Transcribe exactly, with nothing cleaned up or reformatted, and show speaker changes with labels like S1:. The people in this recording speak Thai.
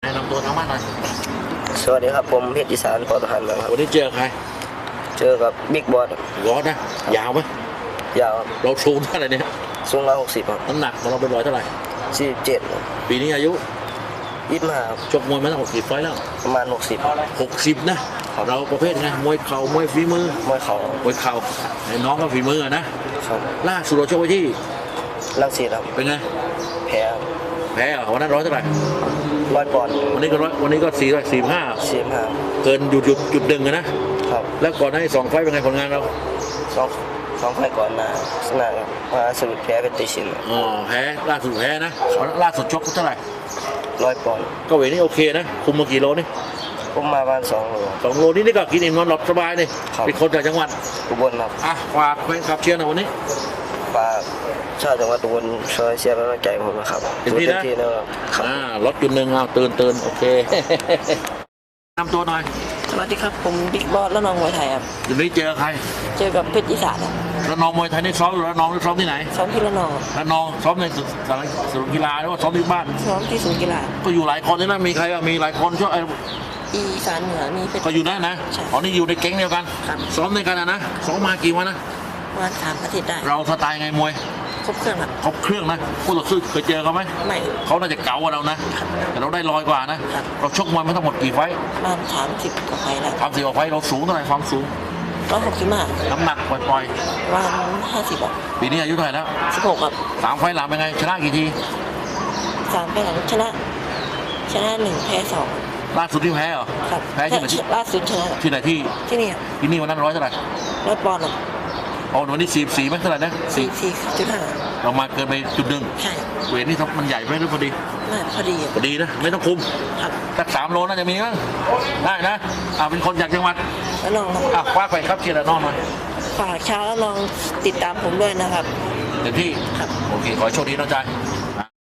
S1: แนะนำตัวทางบ้านหน่อย
S2: สวัสดีครับผมเพชรอีสานปอทหารนะครับ
S1: วันนี้เจอใคร
S2: เจอกับบิ๊กบอส
S1: ร้อนนะยาวไหม
S2: ยาว
S1: เราสูงเท่าไหร่เนี่ย
S2: สูงร้อยหกสิบครับ
S1: น้ำหนักของเราเป็นร้อยเท่าไหร่
S2: สี่สิบเจ็ด
S1: ปีนี้อายุ
S2: ยี่สิบห้า
S1: ชกมวยมาตั้งหกสิบไฟแล้ว
S2: ประมาณหกสิบ
S1: หกสิบนะเราประเภทไงมวยเข่ามวยฝีมือ
S2: มวยเข่าม
S1: วยเข่าไอ้น้องก็ฝีมือนะครับล่าสุดเราชกไว้ที่
S2: ลังสีครับ
S1: เป็นไง
S2: แพ้
S1: แพ้เหรอวันนั้นร้อยเท่าไหร่
S2: ร้อยปอนด์
S1: วันนี้ก็ร้อยวันนี้ก็สี่ร้อยสี่ห้า
S2: สี่ห้า
S1: เกินหยุดหยุดหยุดดึงนะครับแล้วก่อนหน้านี้สองไฟเป็นไงผลงานเรา
S2: สองสองไฟก่อนมาชนะครับมาสรุปแพ้เป็นติชิน
S1: อ๋อแพ้ล่าสุดแพ้นะล่าสุดชกเท่าไหร่
S2: ร้อยปอนด์
S1: ก็เวทนี่โอเคนะคุมมากี่โลนี่
S2: ผมมาประมาณสองโล
S1: สองโลนี่นี่ก็กินอิ่มนอนหลับสบายเลยเป็นคนจากจังหวัด
S2: อุบลครับ
S1: อ่ะฝากแฟนคลับเชียร์หน่อยวันนี้
S2: ฝากชาวจังหวัดอุบลช่วยเชียร์กำลังใจผมนะครับ
S1: เต็มที่นะอ่ารถจุดหนึ่งเอาตื่นตื่นโอเคนำตัวหน่อย
S2: สวัสดีครับผมบิ๊กบอสและน้องมวยไทยครับ
S1: วันนี้เจอใคร
S2: เจอกับเพชรอีสานครับ
S1: แล้วน้องมวยไทยนี่ซ้อมอยู่แล้วน้องนี่ซ้อมที่ไหน
S2: ซ้อมที่ละนอง
S1: แล้วน้องซ้อมในศูนย์กีฬาหรือว่าซ้อมที่บ้าน
S2: ซ้อมที่ศูนย์กีฬา
S1: ก็อยู่หลายคนใช่ไหมมีใครมีหลายคนช่วย
S2: อีสานเหนือมี
S1: ก็อยู่นั่นนะอ๋อนี่อยู่ในแก๊งเดียวกันซ้อมในกันนะซ้อมมากี่วันนะ
S2: ประมาณสามอาทิตย์ได้
S1: เราสไตล์ไงมวย
S2: ครบเครื่องครับ
S1: ครบเครื่องนะคู่ต่อสู้เคยเจอเขาไหม
S2: ไม่
S1: เขาน่าจะเก๋ากว่าเรานะแต่เราได้ลอยกว่านะเราชกมวยมาทั้งหมดกี่ไฟ
S2: ประมาณสามสิบกว่าไฟแล้ว
S1: สามสิบกว่าไฟเราสูงเท่าไหร่ความสูง
S2: ร้อยหกสิบห้า
S1: น้ำหนักปล่อย
S2: ๆประมาณห้าสิบอ่ะ
S1: ปีนี้อายุเท่าไหร่แล้ว
S2: สิบหกครับ
S1: สามไฟหลังเป็นไงชนะกี่ที
S2: สามไฟหลังชนะชนะหนึ่งแพ้สอง
S1: ล่าสุดที่แพ้เหรอ
S2: ครับ
S1: แพ้ที่ไหน
S2: ล่าสุดชนะ
S1: ที่ไหนที่
S2: ที่นี่
S1: ที่นี่วันนั้นร้อยเท่าไหร่
S2: ร้อยปอนด์
S1: อ๋อวันนี้สี่สี่ไหมเท่าไหร่นะ
S2: สี่สี่จุดห้า
S1: เรามาเกินไปจุดหนึ่ง
S2: ใช่
S1: เวทนี่ทับมันใหญ่ไหมหรือพอดี
S2: ไม่พอดี
S1: พอดีนะไม่ต้องคุม
S2: ครับ
S1: สักสามโลน่าจะมีมั้งได้นะอ่าเป็นคนจากจังหวัด
S2: แล้วน้อง
S1: อ่ะคว้าไปครับเชียร์น้องมา
S2: ฝากชาวแล้วลองติดตามผมด้วยนะครับ
S1: เต็มที่โอเคขอโชคดีน้องใจ